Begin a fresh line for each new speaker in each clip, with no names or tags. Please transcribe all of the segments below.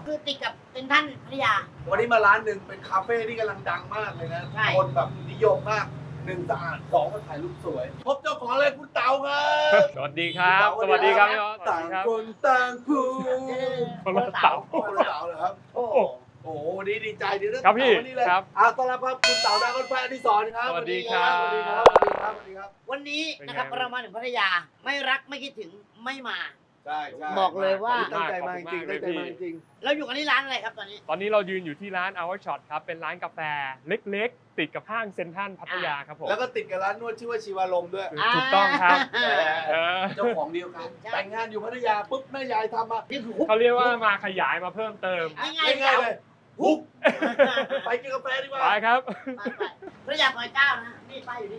คือติดกับเป็นท่านพัทยา
วันนี้มาร้านหนึ่งเป็นคาเฟ่ที่กำลังดังมากเลยนะ
ใช่
คนแบบนิยมมาก1สะอาด2มาถ่ายรูปสวยพบเจ้าของเลยคุณเต๋าครับ
สวัสดีครับ สวัสดีครับพี่ออส
ต่างคนต่างพูด
คนละเต๋า
คนละเต๋าเหรอครับ
โอ้
โอ้โหวันนี้ดีใจดีนะ
ครับพี่
วันนี้เลย
ครับ
ต้อนรับครับคุณเต๋าดาวคนไฟอดิศรครับ
สวัสดีครับ
สวัสดีครับสวัสดีครับสวัสดีครับ
วันนี้นะครับ
เป็นไง
เรามาถึงพัทยาไม่รักไม่คิดถึงไม่มา
ใช่ใช่
บอกเลยว่า
ตั้งใจมาจริงๆตั้งใจมาจริง
เราอยู่กันที่ร้านอะไรครับตอนนี้
ตอนนี้เรายืนอยู่ที่ร้าน Our Shot ครับ เป็นร้านกาแฟเล็กๆ ติดกับห้างเซ็นทรัลพัทยาครับผม
แล้วก็ติดกับร้านนวดชื่อว่าชีวารมณ์ด้วย
ถูกต้องครับ
อ่า
เออ
เจ้าของเดียวกัน
ใช่
แต่งงานอยู่พัทยาปุ๊บแม่ยายทำมา
นี่คือ
เขาเรียกว่ามาขยายมาเพิ่มเติม
ง่ายๆ
ง่ายๆเลยฮุก
ไป
ไปกินกาแฟดีกว่า
ไปครับ
พัทยาซอยเก้านะนี่ป้ายอยู่นี่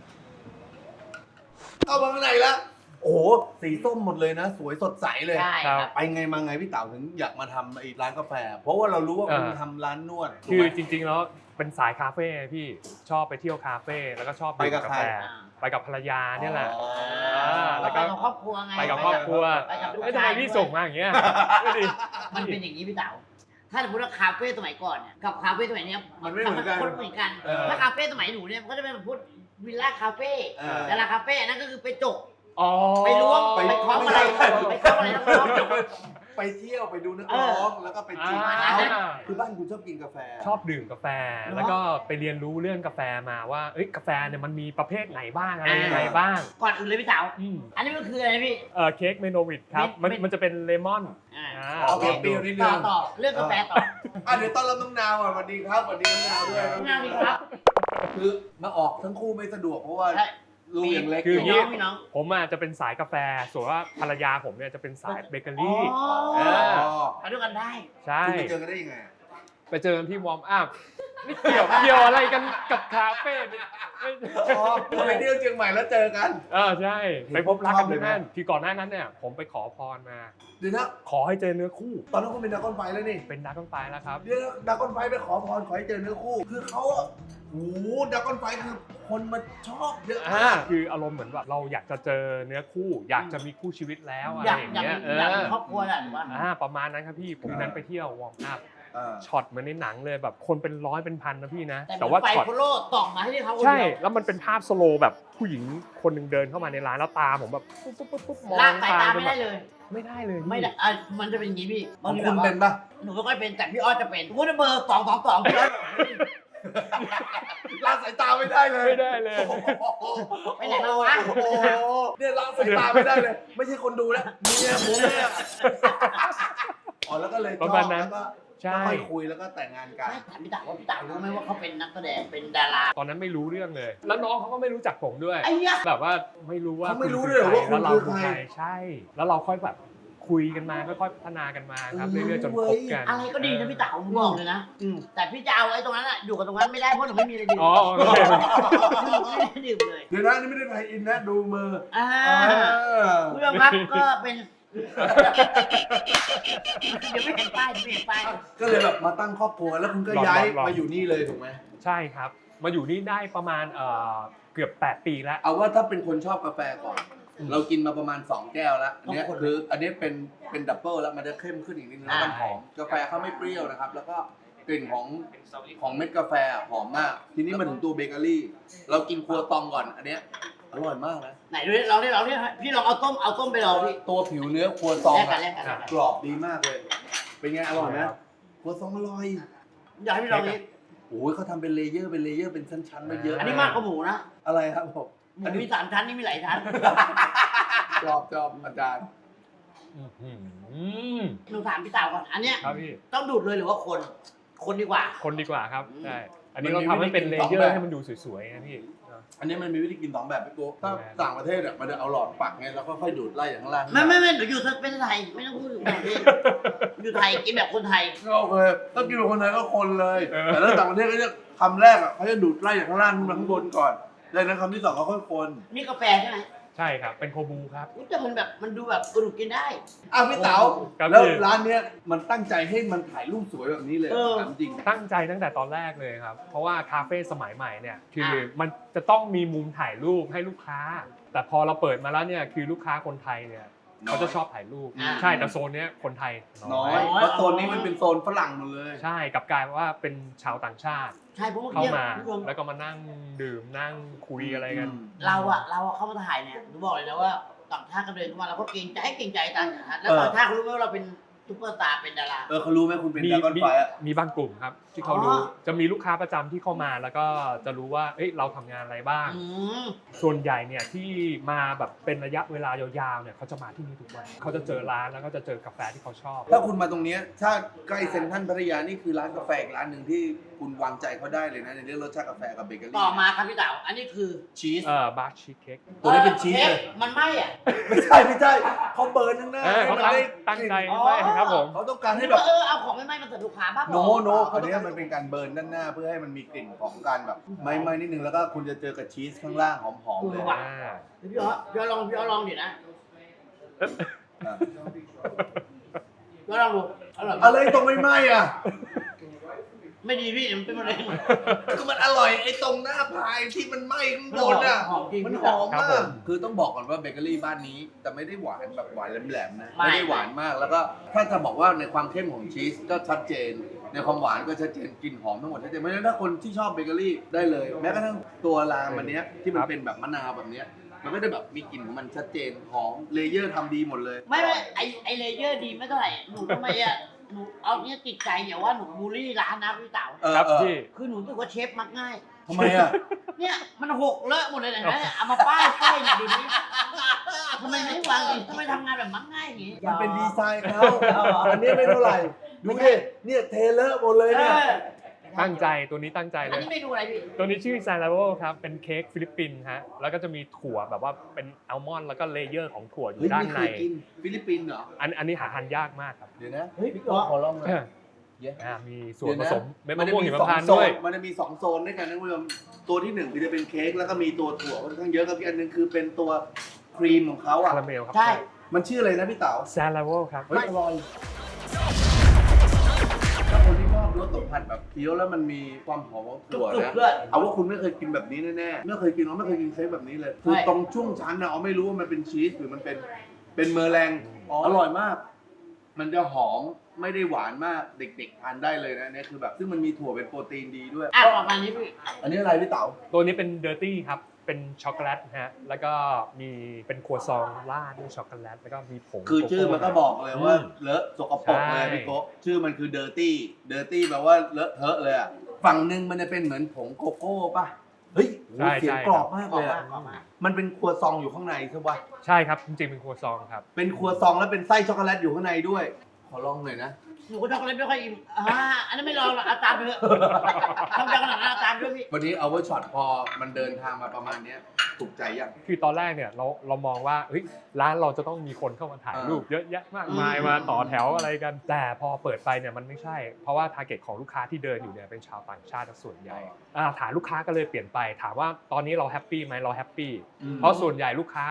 เข้ามาข้างในแล้ว โอ้โห สีส้มหมดเลยนะ สวยสดใสเลย
ใช่ครับ
ไปไงมาไงพี่เต๋าถึงอยากมาทำไอ้ร้านกาแฟ เพราะว่าเรารู้ว่าคุณ
เออ
ทำร้านนวด
คือ
ถูกไหม
จริงๆ แล้วเป็นสายคาเฟ่พี่ ชอบไปเที่ยวคาเฟ่ แล้วก็ชอบ
ไปกับ
ดื่มกา
ใคร
แฟ ไปกับภรรยาเนี่ยแหละ
อ๋อ
แล้
แล้ว
วก็
ไปกับครอบครัวไง
ไปกับครอบครัว
ไปกับลูก
เอ้ยทำ
ชา
ไม
ย
พี่ส่งมาอย่างเงี้ยไม่ดี
มันเป็นอย่างนี้พี่เต๋าถ้าสมมติว่าคาเฟ่สมัยก่อนเนี่ยกับคาเฟ่สมัยเนี้ย
มันไม่เหมือนกัน
คนเหมือนกัน
เออ
ถ้าคาเฟ่สมัยหนูเนี่ยมันก็จะเป็นแบบพูดวิลล่าคาเฟ่
เออ
แต่ละคาเฟ่นั่นก็คือไปจก
อ๋อ
ไปล้วงไปเคาะอะไรไปเคาะอะไรน้องๆ
ไปเที่ยวไปดูนักร้องแล้วก็ไปจีบ
อ่า
เขาคือบ้านคุณชอบกินกาแฟ
ชอบดื่มกาแฟ แล้วก็ไปเรียนรู้เรื่องกาแฟมาว่าเอ้ยกาแฟเนี่ยมันมีประเภทไหนบ้างอะไรยังไงบ้าง
ก่อนอื่นเลยพี่เต๋า
อืม
อันนี้มันคืออะไรนะพี่
เค้กเมโนวิดครับ
เม็ด
มันจะเป็นเลมอน
อ่า
โอเคเปรี้ยวนิดนึง
ต่อเรื่องกาแฟต่อ
เดี๋ยวต้อนรับน้องนาวก่อนสวัสดีครับสวัสดีน้องนาวด้วย
น้องนาวดีครับ
คือมาออกทั้งคู่ไม่สะดวกเพราะว่า
ใช่
ลูกยังเล็ก
คือ
พี่น้องพี่น้อง
ผมอาจจะเป็นสายกาแฟ ส่วนว่าภรรยาผมเนี่ยจะเป็นสายเบเกอ
อ๋
รี่
อ
เออ
มาด้วยกันได้
ใช่
คุณไปเจอกันได้ยังไง
ไปเจอกันที่วอร์มอัพไม่เกี่ยวอะไรกันกับคาเฟ่เนี่ยไม่
อ๋อไปเที่ยวเชียงใหม่แล้วเจอกัน
ใช่ ไปพบรักกันที่นั่นคือก่อนหน้านั้นเนี่ยผมไปขอพรมา
เดี๋ยวนะ
ขอให้เจอเนื้อคู่
ตอนนั้นคุณเป็นดราก้อนไฟแล้วนี่
เป็นดักกันไฟแล้วครับ
เดี๋ยวดราก้อนไฟไปขอพรขอให้เจอเนื้อคู่ คือเขาอะโอ้โหดราก้อนไฟคือคนมาชอบเยอะมาก
คืออารมณ์เหมือนแบบเราอยากจะเจอเนื้อคู่ อยากจะมีคู่ชีวิตแล้วอะไร
อยาก
อย่าง
อยาก
เงี้ย
มีอยากมีครอบครัวแหละหรือว่า
ประมาณนั้นครับพี่ผมนั้นไปเที่ยววอร์มอัพ
เออ
ช็อตเหมือนในหนังเลยแบบคนเป็นร้อยเป็นพันนะพี่นะ
แต่
แต่ว่า
ไป
ช็อต
โฟโล่ต่องมาให้เขาคน
ใช่
เดียว
แล้วมันเป็นภาพสโลว์แบบผู้หญิงคนหนึ่งเดินเข้ามาในร้านแล้วตาผมแบบปุ๊บปุ๊บปุ๊บปุ๊บมอง
ลากสายตา
จ
ไม่
นแบ
ได้
บ
เลย
ไม่ได้เลยพี่
ไม่ได้มันจะเป็นอย่างนี้พี่
ข
บา
อง ง
ที
คุ
แบบ
ณ
ว่า
เป็นปะ
หนูไม่ค่อยเป็นแต่พี่ออสจะเป็นสมมติว่าเบอร์222พี่ออส
ลากสายตาไม่ได้เลย
ไม่ได้เลย
ไปไหนมาวะ
โอ้โหเนี่ยลากสายตาไม่ได้เลย ไม่ใช่คนดูแล้วเมียผมเนี่ยอ๋อแล้วก็เลยชอบ
ประมาณนั้น
แล้วก็
ใช่
ค่อยคุยแล้วก็แต่งงานกัน
ไม่ถามพี่เต๋าว่าพี่เต๋ารู้ไหมว่าเขาเป็นนักแสดงเป็นดารา
ตอนนั้นไม่รู้เรื่องเลย แล้วน้องเขาก็ไม่รู้จักผมด้วย
ไอ้เนี้ย
แบบว่าไม่รู้ว่า
เขาไม่รู้ด้วยเหรอว่าคุณ
แล้วเรา
คือใคร
ใช่ แล้วเราค่อยแบบคุยกันมาค่อยๆพัฒนากันมาครับเรื่อยๆจนคบกัน
อะไรก็ดีนะพี่เต๋าผมบอกเลยนะแต่พี่จะเอาไอ้ตรงนั้นอะอยู่กับตรงนั้นไม่ได้เพราะหนูไม่มีอะไรดื่ม
อ๋อโอเค
ไม่ได้ดื่มเลย
เดี๋ยวนะนี่ไม่ได้ไทยอินนะดูมือ
อ่า
อ
คุณผู้ชมครับก็เป็นเดี๋ยวไม่เห็นป้ายเดี๋ยวไม่เห็นป้าย
ก็เลยแบบมาตั้งครอบครัวแล้วคุณก็ย้ายมาอยู่นี่เลยถูกไหม
ใช่ครับ มาอยู่นี่ได้ประมาณเกือบ8 ปีแล้ว
เอาว่าถ้าเป็นคนชอบกาแฟก่อน เรากินมาประมาณ2 แก้วแล้วอันเนี้ยคืออันนี้เป็นดับเบิลแล้วมันจะเข้มขึ้นอีกนิดนึงแล้วมันหอมกาแฟเขาไม่เปรี้ยวนะครับ แล้วก็กลิ่นของเม็ดกาแฟหอมมาก ทีนี้มาถึงตัวเบเกอรี่ เรากินครัวตองก่อนอันเนี้ยอร่อยมากนะ
ไหนดูดิเราเนี่ยพี่ลองเอาต้มไปลองพี่
ตัวผิวเนื้อครัวตอง
แลกกั
อะ
นแลกกันแลกกัน
กรอบดีมากเลย เป็นไงอร่อยไหมครัวตองอร่อย
อยากให้พี่ลองนี้
โอ้ยเขาทำเป็นเลเยอร์เป็นชั้นๆมาเยอะ
อันนี้มากกว่าหมูนะ
อะไรครับผม
หมูมี3 ชั้นนี่มีหลายชั้น
ชอบอาจารย์
อื้อหือ
หนูถามพี่เต๋าก่อนอันเนี้ย
ครับพี่
ต้องดูดเลยหรือว่าคนดีกว่า
คนดีกว่าครับ ใช่ อันนี้
มัน
เรา
มี
ทำให้เป็น
วิ
เล
ธีกิน
เยอ
สองแบบ
ร์ให้มันดูสวยๆนะพี่
อันนี้มันมีวิธีกิน2 แบบพี่โก้ถ้าต่างประเทศอ่ะมันจะเอาหลอดปักไงแล้วก็ค่อยดูดไล่อย่างข้างล่าง
ไม่หนูอยู่เป็นไทยไม่ต้องพูดถึงประเทศอยู่ไทยกินแบบคนไทย
ก็โอเคถ้ากินแบบคนไทยก็คนเลย
เออ
แต่ถ้าต่างประเทศก็จะคำแรกอ่ะเขาจะดูดไล่จากข้างล่างขึ้นมาข้างบนก่อนดังนั้นคำที่ 2เขาค่อยคน
นี่กาแฟใช่ไหม
ใช่ครับ เป็นโคบูครับ
อุ๊ยแต่มันดูแบบกระดูกกินได้
พี่เต๋า
ครับ
แล้ว
พี่
ร้านเนี้ยมันตั้งใจให้มันถ่ายรูปสวยแบบนี้เลย
เออ
ถามจริง
ตั้งใจตั้งแต่ตอนแรกเลยครับ เพราะว่าคาเฟ่สมัยใหม่เนี่ยคือมันจะต้องมีมุมถ่ายรูปให้ลูกค้า แต่พอเราเปิดมาแล้วเนี่ยคือลูกค้าคนไทยเนี่ยเขาจะชอบถ่ายรูป
อ่า
ใช่แต่โซนเนี้ยคนไทย
น้อยเพราะโซนนี้มันเป็นโซนฝรั่งหมดเลย
ใช่กับกลายว่าเป็นชาวต่างชาติ
ใช่เพราะเมื่อ
เข้า
กี้
มา
คุณผู้ชม
แล้วก็มานั่งดื่มนั่งคุยอะไรกัน
เราเข้ามาถ่ายเนี่ยหนูบอกเลยนะว่าต่างชาติก็เดินเข้ามาเราก็เกรงใจต่างชาติแล้วต่างชาติเขารู้ไหมว่าเราเป็นซุปเปอร์สตาร์เป็นดารา
เขารู้ไหมคุณเป็น
มี
ดราก้อนไฟอะ
มีบางกลุ่มครับที่เขา
อ๋อ
รู้จะมีลูกค้าประจำที่เข้ามาแล้วก็จะรู้ว่าเอ้ยเราทำงานอะไรบ้าง
อืม
ส่วนใหญ่เนี่ยที่มาแบบเป็นระยะเวลายาวๆเนี่ยเขาจะมาที่นี่ทุกวันเขาจะเจอร้านแล้วก็จะเจอกาแฟที่เขาชอบ
ถ้าคุณมาตรงเนี้ยถ้าใกล้เซ็นทรัลพัทยานี่คือร้านกาแฟอีกร้านหนึ่งที่คุณวางใจเขาได้เลยนะในเรื่องรสชาติกาแฟกับเบเกอรี่
ต่อมาครับพี่เต๋าอันนี้คือ
ชีส
บาร์ชีสเค้ก
ตัวนี้เป็นชีส
ค้
เลย
กมันไหม้อ่ะ
ไม่ใช่เขาเบิร์นข้างหน้า
เขา
ให้มันได้
ตั้งใจ
อ๋อ
ไม่ครับผม
เขาต้องการให้
นี่
แบบ
ก็เอาของไม่ไหม้มาเสิร์ฟลูกค้าบ้าง
โนอันเนี้ยมันเป็นการเบิร์นด้านหน้าเพื่อให้มันมีกลิ่นของการแบบไม่นิดนึงแล้วก็คุณจะเจอกับชีสข้างล่างหอมๆเลย
อ่า
พี่อ๋อพี่อ๋อลองเดี๋ยวนะ
อ่ะ
พี่อ๋อลองดูอร่อย
อะไรตรงไม่ไหม้อ่ะ
ไม่ดีพี่มันเป็นมะเร็ง
คือมันอร่อยไอ้ตรงหน้าพายที่มันไหม้ข้างบนอ่ะ
หอมจริง
มันหอมมาก คือต้องบอกก่อนว่าเบเกอรี่บ้านนี้จะไม่ได้หวานแบบหวานแหลมๆนะ ไม่ได้หวานมาก แล้วก็ถ้าจะบอกว่าในความเข้มของชีสก็ชัดเจน ในความหวานก็ชัดเจน กลิ่นหอมทั้งหมดชัดเจน เพราะฉะนั้นถ้าคนที่ชอบเบเกอรี่ได้เลย แม้กระทั่งตัวรามอันเนี้ยที่มันเป็นแบบมะนาวแบบเนี้ยมันก็จะแบบมีกลิ่นของมันชัดเจน หอม เลเยอร์ทำดีหมดเลย
ไม่ไอเลเยอร์ดีไม่เท่าไหร่หนูทำไมอ่ะหนูเอาเนี้ยติดใจอย่าว่าหนูบูลลี่ร้านนะพี่เต๋า
ครับพี่
คือหนูรู้สึกว่าเชฟมักง่าย
ทำไมอ่ะ
เนี่ยมันหกเลอะหมดเลยนะเนี่ยเอามาป้ายเนี่ยดูนี้ทำไมไม่วางดีทำไมทำงานแบบมักง่ายอย่างงี้
มันเป็นดีไซน์เขาอันนี้ไม่เท่าไหร่ ดูดิเนี่ยเทเลอร์หมดเลยเนี่ย
ตั้งใจตัวนี้ตั้งใจ
อั
เล
น
ย
นี้เมนูอะไรพี่
ตัวนี้ชื่อซาลาโวครับเป็นเค้กฟิลิปปินส์ฮะแล้วก็จะมีถั่วแบบว่าเป็นอัลมอนด์แล้วก็เลเยอร์ของถั่วอยู่
เฮ้ย
ด้าน
ไม่
ใน
เคยกินฟิลิปปินส์เหรอ
อันนี้หาทานยากมากครับ
เดี๋ยวนะ
เฮ้ยพี่อ๋อ
ขอลองหน่อย
มีส่วนผสมเม็ด
มั
มะ
นจะ
ม่วง
มี
หิม
สอง
พานต์
โซ
ด้วย
นมันจะมี2โซนด้วยกันนะคุณผู้ชมตัวที่1คือจะเป็นเค้กแล้วก็มีตัวถั่วค่อนข้างเยอะกับอีกอันหนึงคือเป็นตัวครีมของเขาอ่ะ
คาราเมลครับ
ใช่
มันชื่ออะไรนะพี่เต๋า
ซาลาโวครับ
เฮ้ยอร่อยถ้าคนที่ชอบรสสัมผัสแบบเคี้ยวแล้วมันมีความหอมของ
กรุ
ถั่ว
บ
นะ
ๆด้วย
เอาว่าคุณไม่เคยกินแบบนี้แน่ๆไม่เคยกินไม่เคยกินเค้กแบบนี้เลยคือ
ใช่
ตรงช่วงชั้นนะเอาไม่รู้ว่ามันเป็นชีสหรือมันเป็นเมอร์แรงอร่อยมาก มันจะหอมไม่ได้หวานมากเด็กๆทานได้เลยนะเนี่ยคือแบบซึ่งมันมีถั่วเป็นโปรตีนดีด้วย
อ่ะประมาณนี้พี่
อันนี้อะไรพี่เต๋า
ตัวนี้เป็นเดอร์ตี้ครับเป็นช็อกโกแลตนะฮะแล้วก็มีเป็นครัวซองราดด้วยช็อกโกแลตแล้วก็มีผง
คือชื่อมันก็บอกเลยว่า
อืม
เลอะสกปรกเลย
ใช่
พี่โกะชื่อมันคือ dirty dirty แปลว่าเลอะเทอะเลยอ่ะฝั่งหนึ่งมันจะเป็นเหมือนผงโกโก้ป่ะเฮ้ยโหเสียงกรอบมากเลยอะ
ออกมา
มันเป็นครัวซองอยู่ข้างในใช่ปะ
ใช่ครับจริงๆเป็นครัวซองครับ
เป็นครัวซองแล้วเป็นไส้ช็อกโกแลตอยู่ข้างในด้วย ขอลองหน่อยนะ
หนูก็ช็อกโกแลตไม่ค่อยอิ่มอันนั้นไม่ลองหรอกเอาตามไปเถอะทำจากขนาดนั้นเอาตามด้วยพี่
วันนี้เอาไว้ช็อตพอมันเดินทางมาประมาณเนี้ยถูกใจยัง
คือตอนแรกเนี่ยเรามองว่าเฮ้ยร้านเราจะต้องมีคนเข้ามาถ่ายรูปเยอะแยะมากมายมาต่อแถวอะไรกัน แต่พอเปิดไปเนี่ยมันไม่ใช่ เพราะว่าทาร์เก็ตของลูกค้าที่เดินอยู่เนี่ยเป็นชาวต่างชาติส่วนใหญ่ฐานลูกค้าก็เลยเปลี่ยนไปถามว่าตอนนี้เราแฮปปี้ไหมเราแฮปปี้เพราะส่วนใหญ่ลูกค้า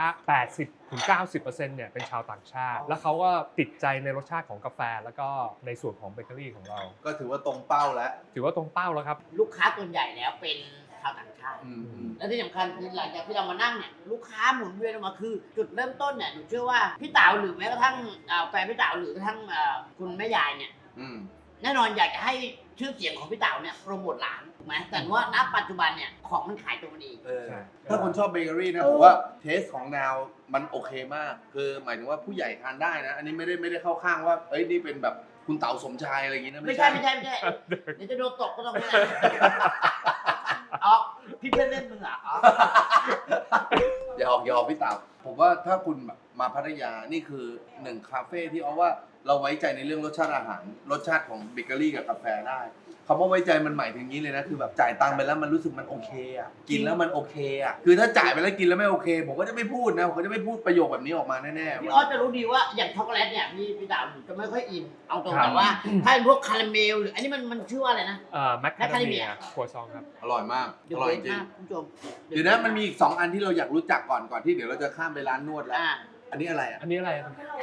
80-90% เนี่ยเป็นชาวต่างชาติ แล้วเขาก็ติดใจในรสชาติของกาแฟแล้วก็ในส่วนของเบเกอรี่ของเรา
ก็ถือว่าตรงเป้าแล้ว
ถือว่าตรงเป้าแล้วครับ
ลูกค้าส่วนใหญ่แล้วเป็นชาวต่างชาติ และที่สำคัญคือหลังจากที่เรามานั่งเนี่ยลูกค้าหมุนเวียนออกมาคือ จุดเริ่มต้นเนี่ยหนูเชื่อว่าพี่เต๋าหรือแม้กระทั่งแฟนพี่เต๋าหรือกระทั่งคุณแม่ยายเนี่ย
อืม
แน่นอนอยากจะให้ชื่อเสียงของพี่เต๋าเนี่ยโปรโมทร้านถูกไหมแต่ว่าณปัจจุบันเนี่ยของมันขายตัวมันเอง
ใช่
ถ้าคนชอบเบเกอรี่นะผมว่าเทสของนาวมันโอเคมาก คือหมายถึงว่าผู้ใหญ่ทานได้นะ อันนี้ไม่ได้เข้าข้างว่าเอ้ยนี่เป็นแบบคุณเต๋าสมชายอะไรอย่างงี้นะ
ไม่ใช่เดี๋ยวจะโดนตกก็ต้องไม่ได้อ๋อพี่เพื่อนเล่นมึงอ่ะอ๋อ
อย่าออกพี่เต๋าผมว่าถ้าคุณแบบมาพัทยานี่คือหนึ่งคาเฟ่ที่เอาว่าเราไว้ใจในเรื่องรสชาติอาหารรสชาติของเบเกอรี่กับกาแฟได้คำว่าไว้ใจมันหมายถึงนี้เลยนะคือแบบจ่ายตังค์ไปแล้วมันรู้สึกมันโอเคอ่ะกินแล้วมันโอเคอ่ะคือถ้าจ่ายไปแล้วกินแล้วไม่โอเคผมก็จะไม่พูดนะผมก็จะไม่พูดประโยคแบบนี้ออกมาแน่ๆ
พี่ออสจะรู้ดีว่าอย่างช็อกโกแลตเนี่ยพี่เต๋าหนูจะไม่ค่อยอินเอาตรง
ครับ
แต่ว่าถ้าเป็นพวกคาราเมลหรืออันนี้มันชื่อว่าอะไรนะ
แมคคาเดเมียครัวซองครับ
อร่อยมาก
เดี๋ย
อ
ว
ร่อย
เว
จริง
มากคุณผู้ชม
เดี๋ยวนะมันมีอีก2อันที่เราอยากรู้จักก่อนที่เดี๋ยวเราจะข้ามไปร้านนวดแล้ว อันนี้อะไรอ่ะ
อันนี้อะไร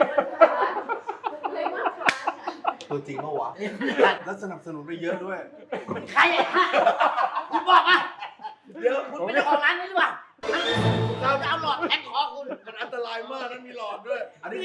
ตัวจริงปะวะแล้วสนับสนุนไปเยอะด้วย
ใครอ่ะคุณบอกมา
เยอะ
คุณเป็นเจ้าของร้านนี้หรือเปล่าเราจะเอาหลอดแทงคอคุณ
มันอันตรายมากนั้นมีหลอดด้วย อันนี้
นี่อะไร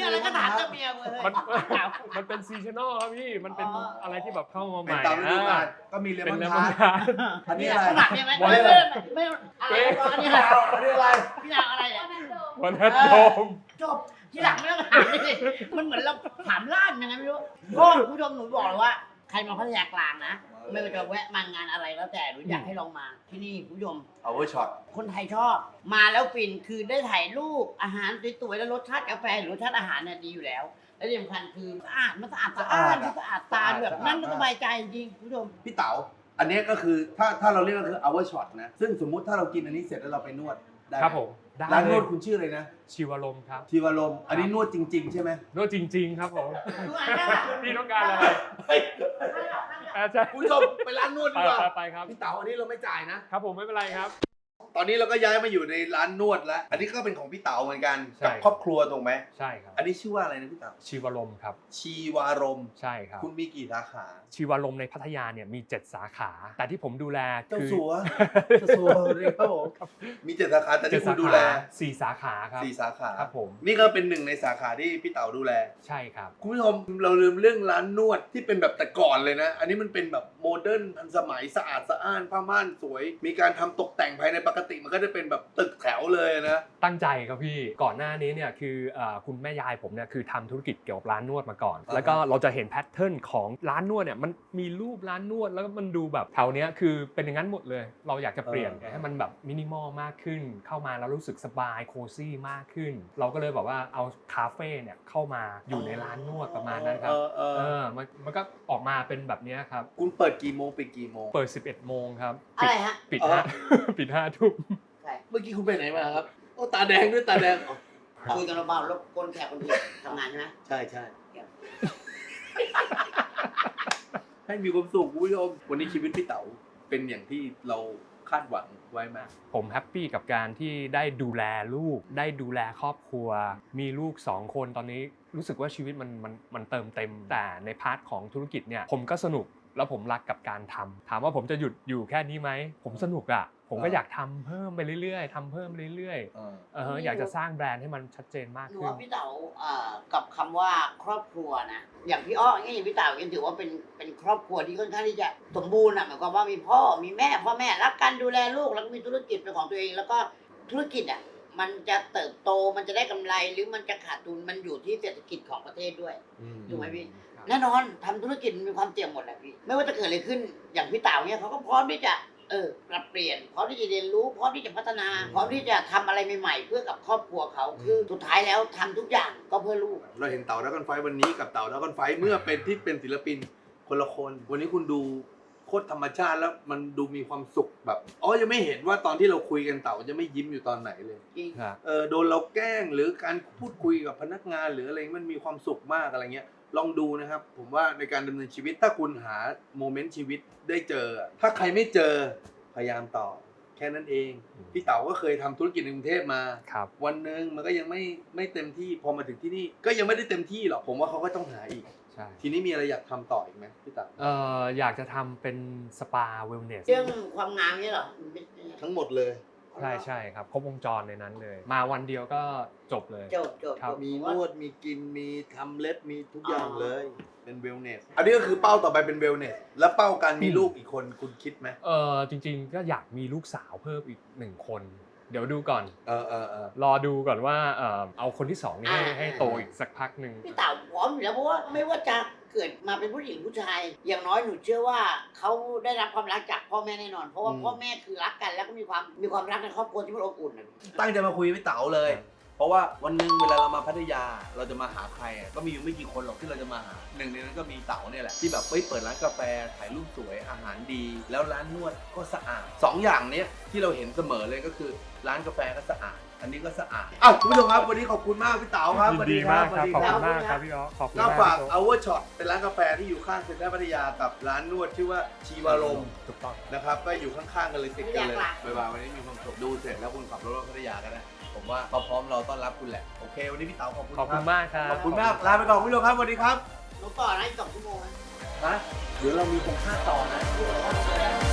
หาเจ้าเมียเว้ย
มันเป็นซีซันนอลครับพี่มันเป็นอะไรที่แบบเข้ามาให
เป็น
ม่
ตามฤดูกาลก็มีเล
เป็น
มอน
เลม
ทา
อน
ร์ต
ทาร์ต
อันนี้
เนี่ย
อะไร
ขนาดเนี่ยไหม
วัน
ไม่
อะไร
ไม่อะไรอันนี้
พี่ดาวอันนี้อะไร
พี่ดาวอะไรเนี่ย
วันนัดโดม
จบที่หลังไม่ต้องถามเลยมันเหมือนเราถามล่ามยังไงไม่รู้ก็คุณผู้ชมหนูบอกเลยว่าใครมาพัทยากลางนะไม่ว่าจะแวะมางานอะไรแล้วแต่หนูอยากให้ลองมาที่นี่คุณผู้ชม
เอาไว้ช็อต
คนไทยชอบมาแล้วฟินคือได้ถ่ายรูปอาหารสวยๆแล้วรสชาติกาแฟหรือรสชาติอาหารเนี่ยดีอยู่แล้ว และที่สำคัญคือสะอาดมันสะอาดสะอ้านมันสะอาดตาแบบนั่งก็สบายใจจริงคุณผู้ชม
พี่เต๋าอันนี้ก็คือถ้าเราเรียกก็คือ hour shot นะซึ่งสมมุติถ้าเรากินอันนี้เสร็จแล้วเราไปนวดได้ไห
ครับผมได้
ร้านน
เล
วย ดคุณชื่ออะไรนะ
ชีวลมครับ
ชีวารมณ์อันนี้นวดจริง ๆ ใช่ไหม
นวดจริง ๆ ครับผม
ดูอ่านได้ปะ
พี่ต้องการอะไร
เฮ้ย
ใช่
คุณผู้ชมไปร้านนวด
ไป
ดีกว่า
ไปครับ
พี่เต๋าอันนี้เราไม่จ่ายนะ
ครับผมไม่เป็นไรครับ
ตอนนี้เราก็ย้ายมาอยู่ในร้านนวดแล้ว อันนี้ก็เป็นของพี่เต๋าเหมือนกัน
ใช่
กับครอบครัวถูกไหม
ใช่ครับ
อันนี้ชื่อว่าอะไรนะพี่เต๋า
ชีวลมครับ
ชีวารมณ์
ใช่ครับ
คุณมีกี่สาขา
ชีวลมในพัทยาเนี่ยมี 7 สาขา แต่ที่ผมดูแล
เจ้า
คือ
สัว เจ้าสัวเลยครับผมมี7สาขาแต่ที่คุณดูแล
4 สาขาครับ
4 สาขา
ครับผม
นี่ก็เป็นหนึ่งในสาขาที่พี่เต๋าดูแล
ใช่ครับ
คุณผู้ชมเราลืมเรื่องร้านนวดที่เป็นแบบแต่ก่อนเลยนะ อันนี้มันเป็นแบบโมเดิร์นทันสมัยสะอาดสะอ้านผ้าม่านสวย มีการทำตกแต่งภายในปกติมันก็จะเป็นแบบตึกแถวเลยนะ
ตั้งใจครับพี่ก่อนหน้านี้เนี่ยคือคุณแม่ยายผมเนี่ยคือทำธุรกิจเกี่ยวกับร้านนวดมาก่อน
อ่าฮะ
แล้วก็เราจะเห็นแพทเทิร์นของร้านนวดเนี่ยมันมีรูปร้านนวดแล้วก็มันดูแบบแถวเนี้ยคือเป็นอย่างนั้นหมดเลย เราอยากจะเปลี่ยนให้มันแบบมินิมอลมากขึ้น เข้ามาแล้วรู้สึกสบายโคซี่มากขึ้น เราก็เลยแบบว่าเอาคาเฟ่เนี่ยเข้ามาอยู่ในร้านนวดประมาณนั้นครับมันก็ออกมาเป็นแบบเนี้ยครับ
คุณเปิดกี่โมงปิดกี่โมง
เปิด 11 โมงครับ
อะไรฮะ
ปิด
อ๋อ
ห้า ปิด5 ทุ่ม
ใช่
เมื่อกี้คุณไปไหนมาครับโอ้ตาแดงด้วยตาแดงอ๋อ
คุยกันเบาๆแล้วคนแขกคนอื่นทำงานใช่ไหม
ใช่ใช่ให้มีความสุขคุณผู้ชมวันนี้ชีวิตพี่เต๋าเป็นอย่างที่เราคาดหวังไว้มาก
ผมแฮปปี้กับการที่ได้ดูแลลูกได้ดูแลครอบครัว มีลูก2 คนตอนนี้รู้สึกว่าชีวิตมันเติมเต็ม แต่ในพาร์ทของธุรกิจเนี่ยผมก็สนุกแล้วผมรักกับการทำถามว่าผมจะหยุดอยู่แค่นี้ไหมผมสนุกอ่ะผมก็อยากทำเพิ่มไปเรื่อยๆทำเพิ่มไปเรื่อยๆอยากจะสร้างแบรนด์ให้มันชัดเจนมาก
หนู
ขึ้น
ว่าพี่เต๋ากับคำว่าครอบครัวนะอย่างพี่อ้ออย่างพี่เต๋ายังถือว่าเป็นครอบครัวที่ค่อนข้างที่จะสมบูรณ์อ่ะหมายความว่ามีพ่อมีแม่พ่อแม่รักกันดูแลลูกแล้วก็มีธุรกิจเป็นของตัวเอง แล้วก็ธุรกิจอ่ะมันจะเติบโตมันจะได้กำไรหรือมันจะขาดทุนมันอยู่ที่เศรษฐกิจของประเทศด้วยถูกไหมพี่แน่นอนทำธุรกิจมันมีความเสี่ยงหมดแหละพี่ไม่ว่าจะเกิดอะไรขึ้นอย่างพี่เต๋าเนี่ยเขาก็พร้อมที่จะปรับเปลี่ยนพร้อมที่จะเรียนรู้พร้อมที่จะพัฒนาพร้อมที่จะทำอะไรใหม่ๆเพื่อกับครอบครัวเขาคือสุดท้ายแล้วทำทุกอย่างก็เพื่อลูก
เราเห็นเต่าดราก้อนไฟวันนี้กับเต่าดราก้อนไฟเมื่อเป็นที่เป็นศิลปินคนละคน วันนี้คุณดูโคตรธรรมชาติแล้วมันดูมีความสุขแบบยังไม่เห็นว่าตอนที่เราคุยกันเต่าจะไม่ยิ้มอยู่ตอนไหนเลย
จริง
โดนเราแกล้งหรือการพูดคุยกับพนักงานหรืออะไรมันมีความสุขมากอะไรเงี้ยลองดูนะครับผมว่าในการดำเนินชีวิตถ้าคุณหาโมเมนต์ชีวิตได้เจอถ้าใครไม่เจอพยายามต่อแค่นั้นเองพี่เต๋าก็เคยทำธุรกิจในกรุงเทพมา
ครับ
วันหนึ่งมันก็ยังไม่เต็มที่พอมาถึงที่นี่ก็ยังไม่ได้เต็มที่หรอกผมว่าเขาก็ต้องหาอีก
ใช่
ทีนี้มีอะไรอยากทำต่ออีกไหมพี่เต๋า
อยากจะทำเป็นสปาเวลเนส
เรื่องความงามนี่เหรอ
ทั้งหมดเลย
ใช่ครับครบวงจรในนั้นเลย มาวันเดียวก็จบเลย
จบ
ครับ
มีนวดมีกินมีทำเล็บมีทุกอย่างเลยเป็นเวลเนสอันนี้ก็คือเป้าต่อไปเป็นเวลเนสแล้วเป้าการมีลูกอีกคนคุณคิดไหม
จริงๆก็อยากมีลูกสาวเพิ่มอีก1 คน เดี๋ยวดูก่อน
เออ
รอดูก่อนว่าเอาคนที่2นี่ให้โตอีกสักพักหนึ่ง
พี่เต๋าพร้อมอยู่แล้วเพราะว่าไม่ว่าจะเกิดมาเป็นผู้หญิงผู้ชาย อย่างน้อยหนูเชื่อว่าเขาได้รับความรักจากพ่อแม่แน่นอน เพราะว่าพ่อแม่คือรักกันแล้วก็มีความรักในครอบครัวที่มันอบอุ่นนะ
ตั้งใจมาคุยกับพี่เต๋าเลย เพราะว่าวันหนึงเวลาเรามาพัทยาเราจะมาหาใครก็มีอยู่ไม่กี่คนหรอกที่เราจะมาหาหนึ่งในนั้นก็มีเต๋าเนี่ยแหละที่แบบเปิดร้านกาแฟถ่ายรูปสวยอาหารดี แล้วร้านนวดก็สะอาด2อย่างเนี้ยที่เราเห็นเสมอเลยก็คือร้านกาแฟก็สะอาดอันนี้ก็สะอาดคุณผู้ชมครับวันนี้ขอบคุณมากพี่เต๋าครับ
ยินดีมากครับขอบคุณมากครับพี่อ๋อขอบคุณ
ก็
มาก
ฝาก Hour Shot เป็นร้านกาแฟที่อยู่ข้างเซ็นทรัลพัทยากับร้านนวดชื่อว่าชีวารมณ์
ถูกต้อง
นะครับก็อยู่ข้างๆกันเลยติดกันเลยบ๊ายบายวันนี้มีความสุขดูเสร็จแล้วคุณขับรถมาพัทยากันนะผมว่าเขาพร้อมเราต้อนรับคุณแหละโอเควันนี้พี่เต๋าขอบคุณ
ขอบคุณมากครับ
ขอบคุณมากลาไปก่อนคุณผู้ชมครับสวัสดีครับ
หนูต่อนะอีก2 ชั่วโมงนะ
นะเดี๋ยวเรามีตรงค่าต่อนะ